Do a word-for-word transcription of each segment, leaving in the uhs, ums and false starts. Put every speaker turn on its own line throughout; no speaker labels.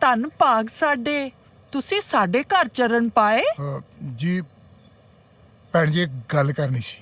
ਧੰਨ ਭਾਗ ਸਾਡੇ, ਤੁਸੀਂ ਸਾਡੇ ਘਰ ਚਰਨ ਪਾਏ।
ਅ, ਜੀ ਭੈਣ ਜੀ, ਇੱਕ ਗੱਲ ਕਰਨੀ ਸੀ।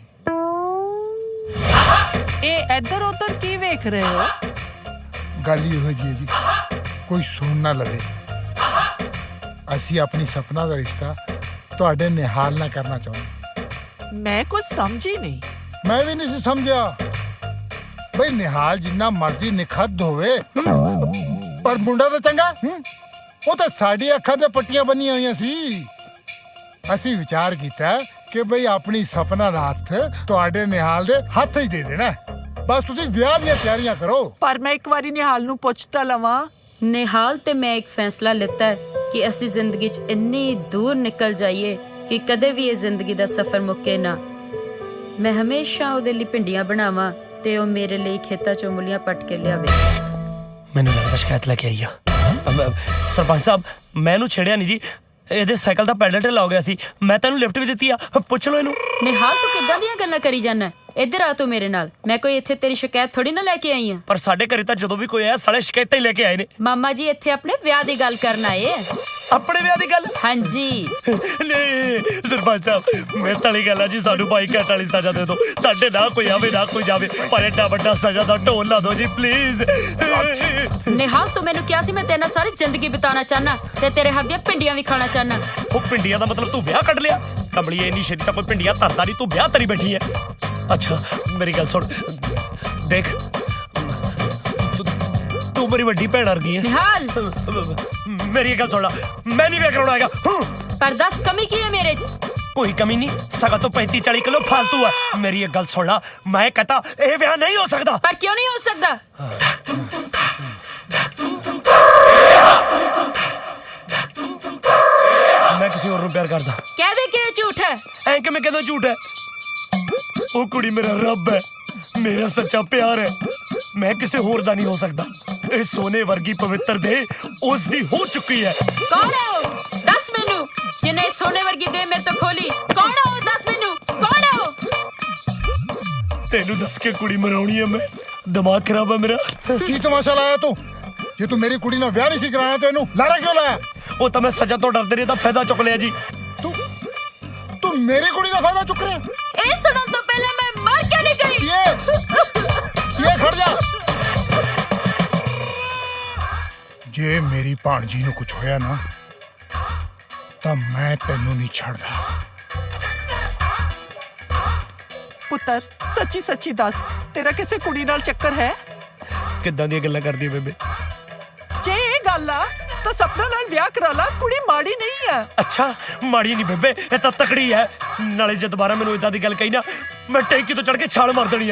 ਇਹ ਇੱਧਰ ਉੱਧਰ ਕੀ ਵੇਖ ਰਹੇ ਹੋ?
ਗੱਲ ਇਹੋ ਜਿਹੀ ਹੈ ਜੀ, ਕੋਈ ਸੁਣ ਨਾ ਲਵੇ। ਅਸੀਂ ਆਪਣੀ ਸਪਨਾ ਦਾ ਰਿਸ਼ਤਾ ਤੁਹਾਡੇ ਨਿਹਾਲ ਨਾਲ ਕਰਨਾ ਚਾਹੁੰਦੇ।
ਮੈਂ ਕੁਝ ਸਮਝੀ ਨਹੀਂ।
ਮੈਂ ਵੀ ਨਹੀਂ ਸੀ ਸਮਝਿਆ ਬਈ ਨਿਹਾਲ ਜਿੰਨਾ ਮਰਜ਼ੀ ਨਿਖੱਦ ਹੋਵੇ, ਪਰ ਮੁੰਡਾ ਤਾਂ ਚੰਗਾ। ਹੂੰ, ਉਹ ਤਾਂ ਸਾਡੀ ਅੱਖਾਂ ਤੇ ਪੱਟੀਆਂ ਬੰਨੀਆਂ ਹੋਈਆਂ ਸੀ। ਅਸੀਂ ਵਿਚਾਰ ਕੀਤਾ ਕਿ ਬਈ ਆਪਣੀ ਸਪਨਾ ਦਾ ਹੱਥ ਤੁਹਾਡੇ ਨਿਹਾਲ ਦੇ ਹੱਥ ਹੀ ਦੇ ਦੇਣਾ। ਬਸ ਤੁਸੀਂ ਵਿਆਹ ਦੀਆਂ ਤਿਆਰੀਆਂ ਕਰੋ।
ਪਰ ਮੈਂ ਇੱਕ ਵਾਰੀ ਨਿਹਾਲ ਨੂੰ ਪੁੱਛ ਤਾਂ ਲਵਾਂ।
ਨਿਹਾਲ ਤੇ ਮੈਂ ਇੱਕ ਫੈਸਲਾ ਲਿੱਤਾ ਹੈ ਕਿ ਅਸੀਂ ਜ਼ਿੰਦਗੀ 'ਚ ਇੰਨੀ ਦੂਰ ਨਿਕਲ ਜਾਈਏ ਕਿ ਕਦੇ ਵੀ ਇਹ ਜ਼ਿੰਦਗੀ ਦਾ ਸਫ਼ਰ ਮੁੱਕੇ ਨਾ। ਮੈਂ ਹਮੇਸ਼ਾ ਉਹਦੇ ਲਈ ਭਿੰਡੀਆਂ ਬਣਾਵਾਂ ਤੇ ਉਹ ਮੇਰੇ ਲਈ ਖੇਤਾਂ 'ਚੋਂ ਮੂਲੀਆਂ ਪੱਟ ਕੇ ਲਿਆਵੇ।
ਮੈਨੂੰ ਲੱਗਦਾ ਸ਼ਿਕਾਇਤ ਲੈ ਕੇ ਆਈ ਆ। ਸਰਪੰਚ ਸਾਹਿਬ, ਮੈਂ ਇਹਨੂੰ ਛੇੜਿਆ ਨਹੀਂ ਜੀ, ਇਹਦੇ ਸਾਈਕਲ ਦਾ ਪੈਡਲ ਢਿੱਲਾ ਹੋ ਗਿਆ ਸੀ। ਮੈਂ ਤੈਨੂੰ ਲਿਫਟ ਵੀ ਦਿੱਤੀ ਆ, ਪੁੱਛ ਲਓ ਇਹਨੂੰ।
ਨਿਹਾਲ, ਤੂੰ ਕਿੱਦਾਂ ਦੀਆਂ ਗੱਲਾਂ ਕਰੀ ਜਾਂਦਾ? ਇੱਧਰ ਆ ਤੂੰ ਮੇਰੇ ਨਾਲ। ਮੈਂ ਕੋਈ ਇੱਥੇ ਤੇਰੀ ਸ਼ਿਕਾਇਤ ਥੋੜੀ ਨਾ ਲੈ ਕੇ ਆਈ ਆ।
ਪਰ ਸਾਡੇ ਘਰੇ ਤਾਂ ਜਦੋਂ ਵੀ ਕੋਈ ਆਇਆ ਸਾਲੇ ਸ਼ਿਕਾਇਤਾਂ ਹੀ ਲੈ ਕੇ ਆਏ ਨੇ।
ਮਾਮਾ ਜੀ ਇੱਥੇ ਆਪਣੇ ਵਿਆਹ ਦੀ ਗੱਲ ਕਰਨ ਆਏ ਆ।
ਆਪਣੇ ਵਿਆਹ ਦੀ ਗੱਲ?
ਹਾਂਜੀ।
ਨਹੀਂ ਸਰਪੰਚ ਸਾਹਿਬ, ਮੈਂ ਤਾਲੀ ਗੱਲ ਆ ਜੀ, ਸਾਨੂੰ ਬਾਈ ਘੱਟ ਵਾਲੀ ਸਜ਼ਾ ਦੇ ਦਿਓ। ਸਾਡੇ ਨਾ ਕੋਈ ਆਵੇ ਨਾ ਕੋਈ ਜਾਵੇ, ਪਰ ਐਡਾ ਵੱਡਾ ਸਜ਼ਾ ਦਾ ਢੋਲ ਲਾ ਦਿਓ ਜੀ ਪਲੀਜ਼।
ਨਿਹਾਲ, ਤੂੰ ਮੈਨੂੰ ਕਿਹਾ ਸੀ ਮੈਂ ਤੇਰੇ ਨਾਲ ਸਾਰੀ ਜ਼ਿੰਦਗੀ ਬਿਤਾਉਣਾ ਚਾਹਨਾ ਤੇ ਤੇਰੇ ਹੱਥ ਦੀਆਂ ਭਿੰਡੀਆਂ ਵੀ ਖਾਣਾ ਚਾਹਨਾ।
ਉਹ ਭਿੰਡੀਆਂ ਦਾ ਮਤਲਬ ਤੂੰ ਵਿਆਹ ਕੱਢ ਲਿਆ? ਕਮਲੀਏ, ਇੰਨੀ ਛੇਤੀ ਤਾਂ ਕੋਈ ਭਿੰਡੀਆਂ ਧਰਦਾ ਨਹੀਂ, ਤੂੰ ਵਿਆਹ ਤਰੀ ਬੈਠੀ ਐ। ਅੱਛਾ ਮੇਰੀ ਗੱਲ ਸੁਣ, ਦੇਖ ਤੂੰ- ਤੂੰ ਮੇਰੀ ਵੱਡੀ ਭੈਣ ਵਰਗੀ ਐ।
ਨਿਹਾਲ,
ਮੇਰੀ ਗੱਲ ਸੁਣ ਲਾ, ਮੈਂ ਨਹੀਂ ਵਿਆਹ ਕਰਾਉਣਾ ਹੈਗਾ।
ਪਰ ਦੱਸ ਕਮੀ ਕੀ ਹੈ ਮੇਰੇ 'ਚ?
ਕੋਈ ਕਮੀ ਨਹੀਂ, ਸਗਾ ਤੋਂ ਪੈਂਤੀ ਚਾਲੀ ਕਿਲੋ ਫਾਲਤੂ ਹੈ। ਮੇਰੀ ਇੱਕ ਗੱਲ ਸੁਣ ਲਾ, ਮੈਂ ਕਹਤਾ ਇਹ ਵਿਆਹ ਨਹੀਂ ਹੋ ਸਕਦਾ।
ਪਰ ਕਿਉਂ ਨਹੀਂ ਹੋ ਸਕਦਾ?
ਮੈਂ ਕਿਸੇ ਹੋਰ ਨੂੰ ਪਿਆਰ ਕਰਦਾ।
ਕਹਿ ਦੇ ਕਿ ਇਹ ਝੂਠ ਹੈ।
ਐਂ ਕਿਵੇਂ ਕਹਿੰਦਾ ਝੂਠ ਹੈ? ਉਹ ਕੁੜੀ ਮੇਰਾ ਰੱਬ ਹੈ, ਮੇਰਾ ਸੱਚਾ ਪਿਆਰ ਹੈ। ਮੈਂ ਕਿਸੇ ਹੋਰ ਦਾ ਨਹੀਂ ਹੋ ਸਕਦਾ। ਇਹ ਸੋਨੇ ਵਰਗੀ ਪਵਿੱਤਰ ਦੇ ਉਸ ਦੀ ਹੋ ਚੁੱਕੀ ਹੈ।
ਕੌਣ ਹੈ ਉਹ? ਦੱਸ ਮੈਨੂੰ। ਜਿਹਨੇ ਸੋਨੇ ਵਰਗੀ ਦੇ ਮੇਰੇ ਤੋਂ ਖੋਲੀ, ਕੌਣ ਹੈ ਉਹ? ਦੱਸ ਮੈਨੂੰ, ਕੌਣ ਹੈ ਉਹ?
ਤੈਨੂੰ ਦੱਸ ਕੇ ਕੁੜੀ ਮਰਾਉਣੀ ਹੈ ਮੈਂ? ਦਿਮਾਗ ਖਰਾਬ ਹੈ ਮੇਰਾ।
ਕੀ ਤਮਾਸ਼ਾ ਲਾਇਆ ਤੂੰ? ਜੇ ਤੂੰ ਮੇਰੀ ਕੁੜੀ ਨਾਲ ਵਿਆਹ ਨਹੀਂ ਸੀ ਕਰਾਉਣਾ ਤੇ ਇਹਨੂੰ ਲਾਰਾ ਕਿਉਂ ਲਾਇਆ?
ਉਹ ਤਾਂ ਮੈਂ ਸਜ਼ਾ ਤੋਂ ਡਰਦੇ ਨੇ ਤਾਂ ਫਾਇਦਾ ਚੁੱਕ ਲਿਆ ਜੀ।
ਤੂੰ ਤੂੰ ਮੇਰੀ ਕੁੜੀ ਦਾ ਫਾਇਦਾ ਚੁੱਕ ਰਿਹਾ?
ਇਹ ਸੁਣਨ ਤੋਂ ਪਹਿਲਾਂ ਮੈਂ ਮਰ ਕੇ ਨਹੀਂ ਗਈ।
ਇਹ ਇਹ ਖੜ ਜਾ। ਜੇ ਮੇਰੀ ਭਾਣਜੀ ਨੂੰ ਕੁਝ ਹੋਇਆ ਨਾ ਤਾਂ ਮੈਂ ਤੈਨੂੰ ਨਹੀਂ ਛੱਡਦਾ।
ਪੁੱਤਰ, ਸੱਚੀ ਸੱਚੀ ਦੱਸ, ਤੇਰਾ ਕਿਸੇ ਕੁੜੀ ਨਾਲ ਚੱਕਰ ਹੈ?
ਕਿੱਦਾਂ ਦੀਆਂ ਗੱਲਾਂ ਕਰਦੀ ਬੇਬੇ?
ਜੇ ਇਹ ਗੱਲ ਆ ਤਾਂ ਸਪਨਾ ਨਾਲ ਵਿਆਹ ਕਰਾ ਲਾ, ਕੁੜੀ ਮਾੜੀ ਨਹੀਂ ਆ।
ਅੱਛਾ, ਮਾੜੀ ਨਹੀਂ ਬੇਬੇ, ਇਹ ਤਾਂ ਤਕੜੀ ਹੈ। ਨਾਲੇ ਜੇ ਦੁਬਾਰਾ ਮੈਨੂੰ ਇਦਾਂ ਦੀ ਗੱਲ ਕਹੀ ਨਾ, ਮੈਂ ਟੈਂਕੀ ਤੋਂ ਚੜ ਕੇ ਛਾਲ ਮਾਰ ਦੇਣੀ ਆ।